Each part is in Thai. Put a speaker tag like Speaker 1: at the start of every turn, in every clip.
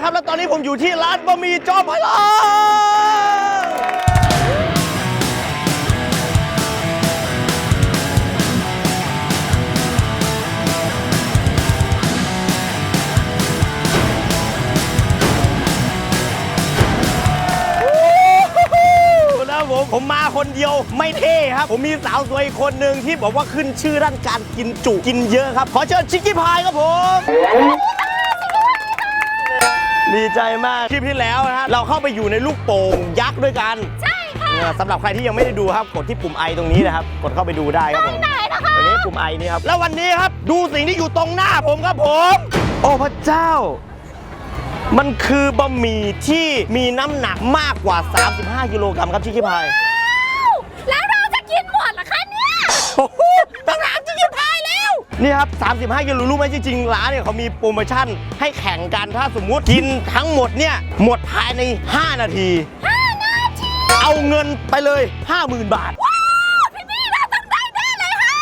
Speaker 1: ครับแล้วตอนนี้ผมอยู่ที่ร้านบะหมี่จอมพลังผมมาคนเดียวไม่เท่ครับผมมีสาวสวยอีกคนหนึ่งที่บอกว่าขึ้นชื่อด้านการกินจุกินเยอะครับขอเชิญชิคกี้พายครับผมดีใจมากคลิปที่แล้วนะฮะเราเข้าไปอยู่ในลูกโป่งยักษ์ด้วยกันใช่ค่ะสำหรับใครที่ยังไม่ได้ดูครับกดที่ปุ่มไอตรงนี้นะครับกดเข้าไปดูได้ครับผมตรงนี้ปุ่มไอนี่ครับแล้ววันนี้ครับดูสิ่งที่อยู่ตรงหน้าผมครับผมโอ้พระเจ้ามันคือบะหมี่ที่มีน้ำหนักมากกว่า35กิโลกรัมครับชิคกี้พาย
Speaker 2: แล้วเราจะกินหมดเหรอคะเนี่ย
Speaker 1: โอ้โหต้องถามชิคกี้พายแล้วนี่ครับ35กิโลรู้ไหมจริงๆร้านเนี่ยเขามีโปรโมชั่นให้แข่งกันถ้าสมมุติกินทั้งหมดเนี่ยหมดภายใน5 นาทีเอาเงินไปเลย 50,000 บาท
Speaker 2: ว้าวพี่เราต้องได้แน่เลยค่ะ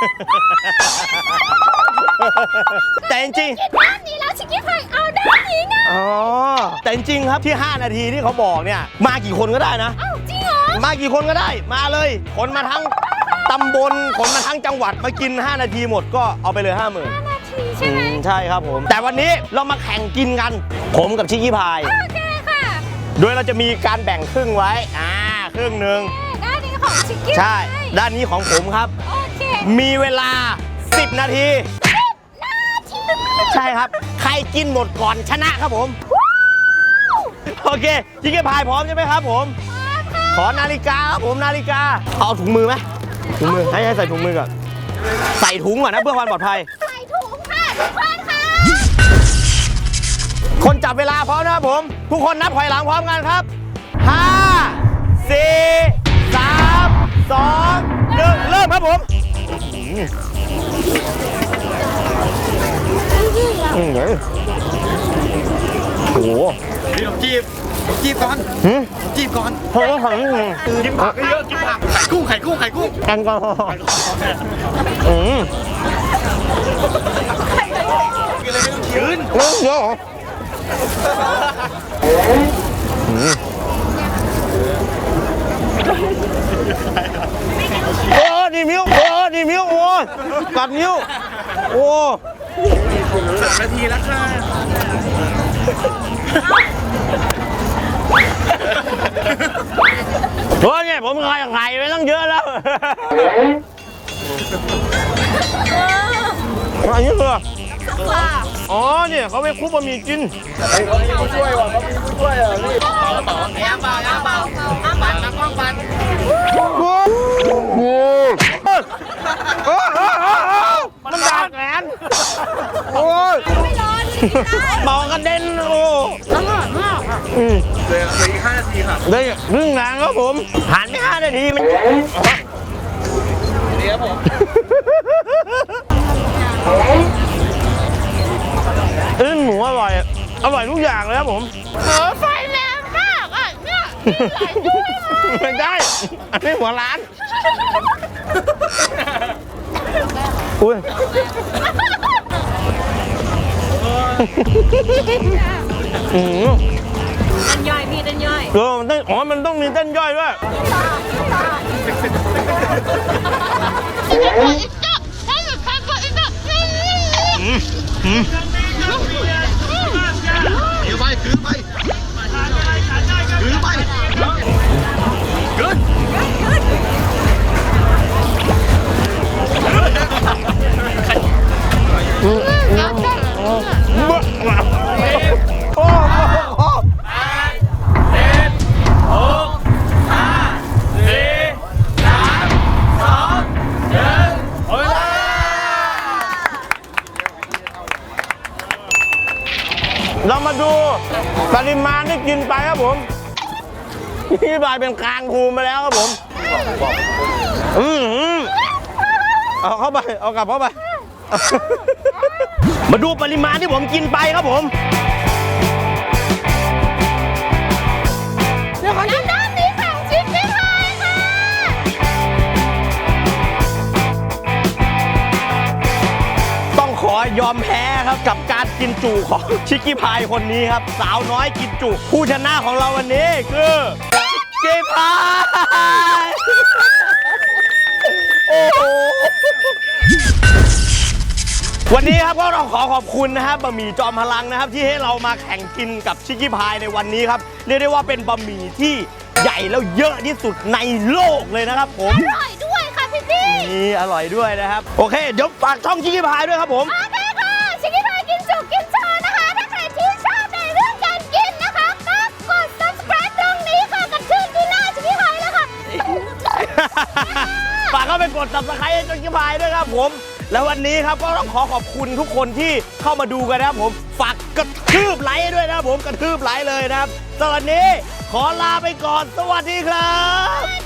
Speaker 1: แต่จริง
Speaker 2: ๆด้านนี้แล้วชิคกี้พายเอาด้านนี้ไง
Speaker 1: อ๋อแต่จริงๆครับที่5 นาทีที่เขาบอกเนี่ยมากี่คนก็ได้นะ
Speaker 2: อ้าวจริงเหรอ
Speaker 1: มากี่คนก็ได้มาเลยคนมาทั้งตำบลคนมาทั้งจังหวัดมากิน5 นาทีหมดก็เอาไปเลย 50,000
Speaker 2: 5 นาทีใช่ไหม
Speaker 1: ใช่ครับผมแต่วันนี้เรามาแข่งกินกันผมกับชิคกี้พาย
Speaker 2: โอเคค่ะ
Speaker 1: โดยเราจะมีการแบ่งครึ่งไว้ครึ่งหนึ่ง
Speaker 2: ด้านนี้ของชิคกี้
Speaker 1: ใช่ด้านนี้ของผมครับ
Speaker 2: โอเค
Speaker 1: มีเวลา10 นาทีใช่ครับใครกินหมดก่อนชนะครับผมโอเคชิคกี้พายพร้อมใช่ไหมครับผมขอนาฬิกาครับผมนาฬิกาเอาถุงมือไหมถุงมือให้ใส่ถุงมือก่อนใส่ถุงก่อนนะเพื่อความปลอดภัย
Speaker 2: ใส่ถุงค่ะทุกคนค่ะ
Speaker 1: คนจับเวลาพร้อมนะครับผมทุกคนนับถอยหลังพร้อมกันครับ5 4 3 2 1เริ่มครับผมโอ้โห
Speaker 3: พี่ลองจีบก่อนจีบก่อน
Speaker 1: เพราะว่าเขา
Speaker 3: กินผักเยอะกินผักไข่กุ้ง
Speaker 1: แอลกอฮอล์
Speaker 3: กินเลยไม่ต้องชื้น
Speaker 1: เยอะโอ้ดีมิ้วโอ้กัดนิ้วโอ้
Speaker 3: 3 นาทีแล้วค่ะ
Speaker 1: โอ้เนี่ยผมไข่ไปตั้งเยอะแล้วอันนี้คืออ๋อเนี่ยเขาไปคลุกบะหมี่กิน
Speaker 3: เขามีผู้ช่วยว่ะเขามีผู้ช่วยอ่ะนี่ย่างเบาปั่นนะกล้องปั่น
Speaker 1: มันดาดแขนโอ้ย
Speaker 2: ไม่ร้อน
Speaker 1: เบากระเด็นโอ้
Speaker 3: อร่อยมากเหลืออีก5 นาทีค่ะ
Speaker 1: ได้ครึ่งทางครับผมผ่านไป5 นาทีมัน
Speaker 3: เดี๋ยวผม
Speaker 1: หมูอร่อยทุกอย่างเลยครับผม
Speaker 2: ไฟแรงมากอ่ะเนี่ย
Speaker 1: ไม่ได้อันนี้หัวร้านอุ้ย
Speaker 2: เต้นย่อยพี่เต้นย่อย
Speaker 1: มันต้องมีเต้นย่อยด้วย
Speaker 3: ถือไป
Speaker 1: เรามาดูปริมาณที่กินไปครับผมพี่บายเป็นคางภูมิมาแล้วครับผมเอาเข้าไปเอากลับเข้าไปมาดูปริมาณที่ผมกินไปครับผม
Speaker 2: ด้านนี้ของชิคกี้พายค่ะ
Speaker 1: ต้องขอยอมแพ้ครับกับการกินจุของชิคกี้พายคนนี้ครับสาวน้อยกินจุผู้ชนะของเราวันนี้คือชิคกี้พายโอ้โหวันนี้ครับก็เราขอขอบคุณนะครับบะหมี่จอมพลังนะครับที่ให้เรามาแข่งกินกับชิคกี้พายในวันนี้ครับเรียกได้ว่าเป็นบะหมี่ที่ใหญ่แล้วเยอะที่สุดในโลกเลยนะครับผม
Speaker 2: อร่อยด้วยค่ะพี่พี่
Speaker 1: นี่อร่อยด้วยนะครับโอเคเดี๋ยวฝากช่องชิคกี้พายด้วยครับผม
Speaker 2: โอเคค่ะชิคกี้พายกินจุกินโชว์นะคะถ้าใครที่ชอบในเรื่องการกินนะคะก็กด subscribe ตรงนี้ค่ะกับชื่อที่หน้าชิคกี้พายแล้วค่ะ
Speaker 1: ฝากเข้าไปกด subscribe ให้ชิคกี้พายด้วยครับผมแล้ววันนี้ครับก็ต้องขอขอบคุณทุกคนที่เข้ามาดูกันนะครับผมฝากกระทืบไลค์ด้วยนะครับผมกระทืบไลค์เลยนะครับสำหรับวันนี้ขอลาไปก่อนสวัสดีครับ